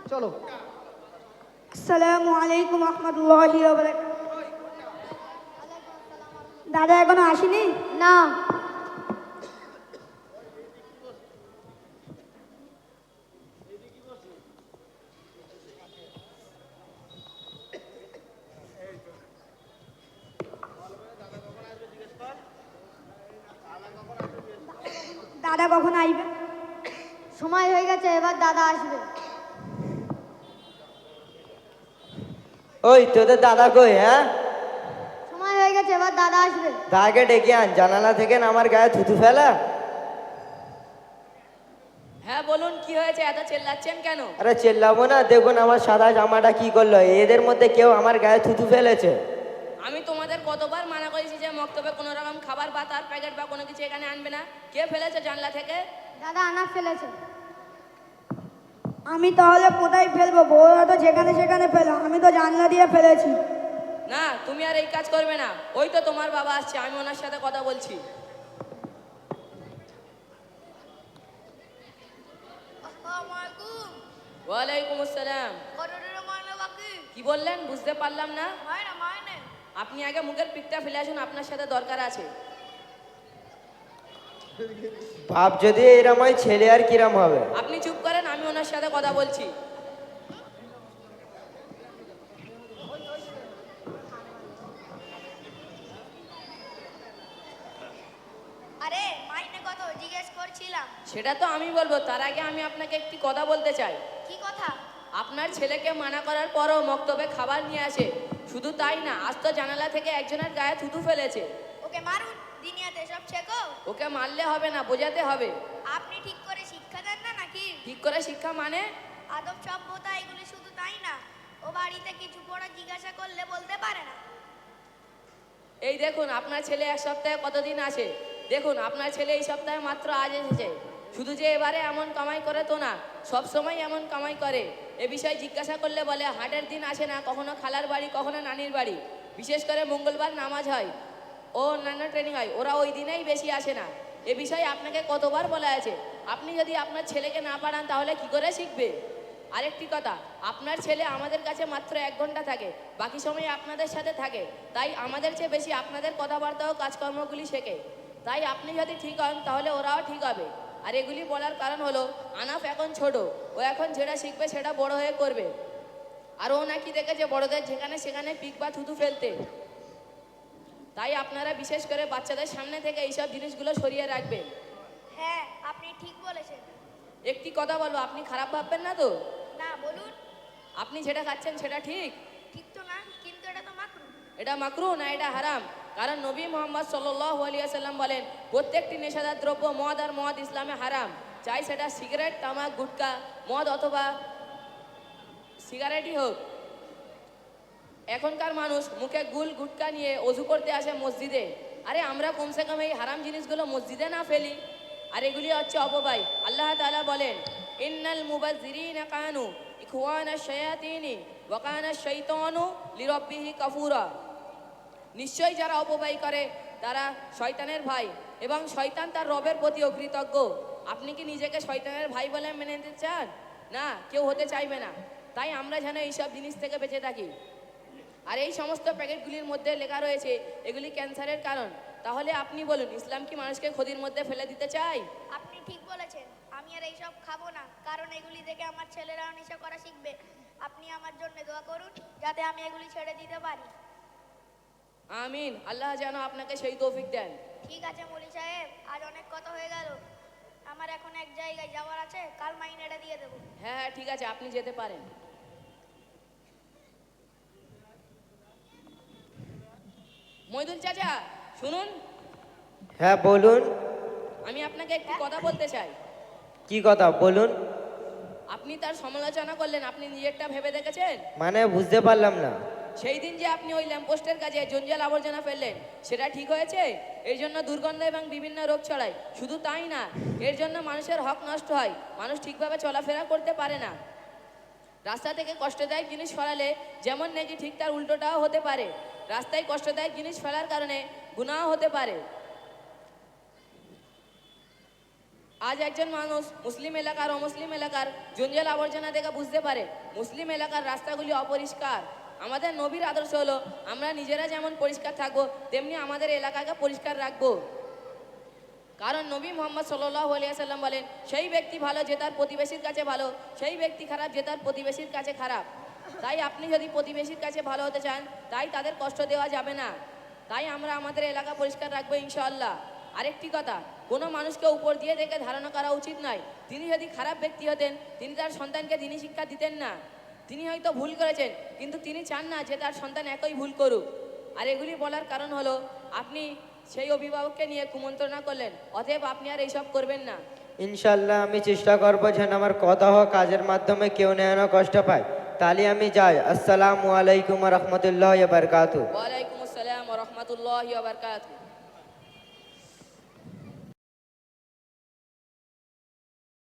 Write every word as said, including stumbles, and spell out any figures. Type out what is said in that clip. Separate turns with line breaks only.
চলো।
আসসালামু আলাইকুম রহমতুল্লাহি ওয়া বারাকাতুহু। দাদা এখনো আসেনি?
না।
দাদা কখন আসবে?
সময় হয়ে গেছে, এবার দাদা আসবে।
ওই তোদের দাদা কই? হ্যাঁ,
সময় হয়ে গেছে, এবার দাদা আসবে।
দাদাকে ডেকে আন, জানালা থেকে না আমার গায়ে থুতু ফেলা।
হ্যাঁ বলুন, কি হয়েছে? এত চেল্লাচ্ছেন কেন?
আরে চেল্লাবো না, দেখুন আমার সাদা জামাটা কি করলো। এদের মধ্যে কেউ আমার গায়ে থুতু ফেলেছে।
আমি তোমাদের কতবার মানা করেছি যে মক্তবে কোনো রকম খাবার বা তার প্যাকেট বা কোনো কিছু এখানে আনবে না। কে ফেলেছে জানলা থেকে?
দাদা আনাপ ফেলেছে।
আমি তাহলে কোথায় ফেলবো? বউরা তো যেখানে সেখানে ফেলো, আমি তো জানলা দিয়ে ফেলেছি।
না, তুমি আর এই কাজ করবে না। ওই তো তোমার বাবা আসছে, আমি ওনার সাথে কথা বলছি। ওয়ালাইকুম আসসালাম। কি বললেন? বুঝতে পারলাম না। আপনি আগে মুখের পিকটা ফেলে আসুন, আপনার সাথে দরকার আছে।
বাপ যদি এরম হয়, ছেলে আর কিরম হবে?
আপনি চুপ করেন, আমি ওনার সাথে কথা বলছি।
আরে মাইনে কত জিজ্ঞেস করছিলাম।
সেটা তো আমি বলবো, তার আগে আমি আপনাকে একটি কথা বলতে চাই।
কি কথা?
আপনার ছেলেকে মানা করার পরও মক্তবে খাবার নিয়ে আসে। শুধু তাই না, আজ তো জানালা থেকে একজনের গায়ে থুতু ফেলেছে।
ওকে মারুন, দুনিয়াতে সব শেখো।
ওকে মারলে হবে না, বোঝাতে হবে।
আপনি ঠিক করে শিক্ষা দেন না নাকি?
ঠিক করে শিক্ষা মানে?
আদব সভ্যতা এগুলি শুধু তাই না, ও বাড়িতে কিছু পড়া জিজ্ঞাসা করলে বলতে পারে না।
এই দেখুন, আপনার ছেলে এক সপ্তাহে কতদিন আসে? দেখুন, আপনার ছেলে এই সপ্তাহে মাত্র আজ এসেছে। শুধু যে এবারে এমন কামাই করে তো না, সব সময় এমন কামাই করে। এ বিষয়ে জিজ্ঞাসা করলে বলে হাটের দিন আসে না, কখনো খালার বাড়ি, কখনো নানির বাড়ি। বিশেষ করে মঙ্গলবার নামাজ হয় ও অন্যান্য ট্রেনিং হয়, ওরা ওই দিনেই বেশি আসে না। এ বিষয়ে আপনাকে কতবার বলা আছে। আপনি যদি আপনার ছেলেকে না পাঠান তাহলে কি করে শিখবে? আরেকটি কথা, আপনার ছেলে আমাদের কাছে মাত্র এক ঘন্টা থাকে, বাকি সময় আপনাদের সাথে থাকে। তাই আমাদের চেয়ে বেশি আপনাদের কথাবার্তা ও কাজকর্মগুলি শেখে। তাই আপনি যদি ঠিক হন তাহলে ওরাও ঠিক হবে। আর এগুলি বলার কারণ হলো, আনাফ এখন ছোট, ও এখন যেটা শিখবে সেটা বড় হয়ে করবে। আর ও নাকি দেখেছে বড়দের যেখানে সেখানে পিক বা থুতু ফেলতে। তাই আপনারা বিশেষ করে বাচ্চাদের সামনে থেকে এইসব জিনিসগুলো সরিয়ে রাখবেন।
হ্যাঁ, আপনি ঠিক বলেছেন।
একটি কথা বলবো, আপনি খারাপ ভাববেন না তো?
না, বলুন।
আপনি যেটা খাচ্ছেন সেটা ঠিক?
ঠিক তো না, কিন্তু এটা তো মাকরু।
এটা মাকরু না, এটা হারাম। কারণ নবী মোহাম্মদ সাল্লাল্লাহু আলাইহি ওয়াসাল্লাম বলেন, প্রত্যেকটি নেশাদার দ্রব্য মদ আর মদ ইসলামে হারাম। চাই সেটা সিগারেট, তামাক, গুটকা, মদ অথবা সিগারেটই হোক। এখনকার মানুষ মুখে গুল গুটকা নিয়ে অজু করতে আসে মসজিদে। আরে আমরা কমসে কম এই হারাম জিনিসগুলো মসজিদে না ফেলি। আর এগুলি হচ্ছে অপব্যয়। আল্লাহ তাআলা বলেন, ইন্নাল মুবাজ্জিরিনা কানু ইখওয়ানাশ শায়াতিনি ওয়া কানা শাইতানু লিরাব্বিহি কাফুরা। নিশ্চয়ই যারা অপব্যয় করে তারা শয়তানের ভাই, এবং শয়তান তার রবের প্রতি অকৃতজ্ঞ। আপনি কি নিজেকে শয়তানের ভাই বলে মেনে নিতে চান? না, কেউ হতে চাইবে না। তাই আমরা যেন এইসব জিনিস থেকে বেঁচে থাকি। আর এই সমস্ত প্যাকেটগুলির মধ্যে লেখা রয়েছে এগুলি ক্যান্সারের কারণ। তাহলে আপনি বলুন, ইসলাম কি মানুষকে ক্ষতির মধ্যে ফেলে দিতে চায়?
আপনি ঠিক বলেছেন। আমি আর এইসব খাবো না, কারণ এগুলি দেখে আমার ছেলেরাও নেশা করা শিখবে। আপনি আমার জন্য দোয়া করুন যাতে আমি এগুলি ছেড়ে দিতে পারি।
আমিন। আল্লাহ যেন আপনাকে সেই তৌফিক দেন।
ঠিক আছে মলি সাহেব, আজ অনেক কথা হয়ে গেল। আমার এখন এক জায়গায় যাওয়ার আছে, কাল মাইনেটা দিয়ে দেবো।
হ্যাঁ হ্যাঁ ঠিক আছে, আপনি যেতে পারেন। মইদুল চাচা শুনুন।
হ্যাঁ বলুন।
আমি আপনাকে একটি কথা বলতে চাই।
কি কথা বলুন?
আপনি তার সমালোচনা করলেন, আপনি নিজেরটা ভেবে দেখেছেন?
মানে বুঝতে পারলাম না।
সেই দিন যে আপনি ওই ল্যাম্পপোস্টের কাছে জঞ্জাল আবর্জনা ফেললেন, সেটা ঠিক হয়েছে? এর জন্য দুর্গন্ধ এবং বিভিন্ন রোগ ছড়ায়। শুধু তাই না, এর জন্য মানুষের হক নষ্ট হয়, মানুষ ঠিকভাবে চলাফেরা করতে পারে না। রাস্তা থেকে কষ্টদায়ক জিনিস ফেলালে যেমন নাকি ঠিক তার উল্টোটাও হতে পারে। রাস্তায় কষ্টদায়ক জিনিস ফেলার কারণে গুনাহ হতে পারে। আজ একজন মানুষ মুসলিম এলাকার অমুসলিম এলাকার জঞ্জাল আবর্জনা দেখে বুঝতে পারে মুসলিম এলাকার রাস্তাগুলি অপরিষ্কার। আমাদের নবীর আদর্শ হলো আমরা নিজেরা যেমন পরিষ্কার থাকবো তেমনি আমাদের এলাকাকে পরিষ্কার রাখবো। কারণ নবী মোহাম্মদ সাল্লাল্লাহু আলাইহি সাল্লাম বলেন সেই ব্যক্তি ভালো যে তার প্রতিবেশীর কাছে ভালো, সেই ব্যক্তি খারাপ যে তার প্রতিবেশীর কাছে খারাপ। তাই আপনি যদি প্রতিবেশীর কাছে ভালো হতে চান তাই তাদের কষ্ট দেওয়া যাবে না। তাই আমরা আমাদের এলাকা পরিষ্কার রাখবো ইনশাআল্লাহ। আরেকটি কথা, কোনো মানুষকে উপর দিয়ে দেখে ধারণা করা উচিত নয়। তিনি যদি খারাপ ব্যক্তি হতেন তিনি তার সন্তানকে দিনী শিক্ষা দিতেন না। তিনি হয়তো ভুল করেছেন কিন্তু তিনি চান না যে তার সন্তান একই ভুল করুক। আর এগুলি বলার কারণ হলো আপনি সেই অভিভাবককে নিয়ে কুমন্ত্রণা করলেন, অতএব আপনি আর এইসব করবেন না।
ইনশাল্লাহ আমি চেষ্টা করবো যেন আমার কথা হোক কাজের মাধ্যমে কেউ যেন কষ্ট পায়। তাহলে আমি যাই। আসসালামু আলাইকুম রহমতুল্লাহ বারকাতু।
ওয়ালাইকুম আসসালাম ওয়া রাহমাতুল্লাহি ওয়া বারাকাতুহু।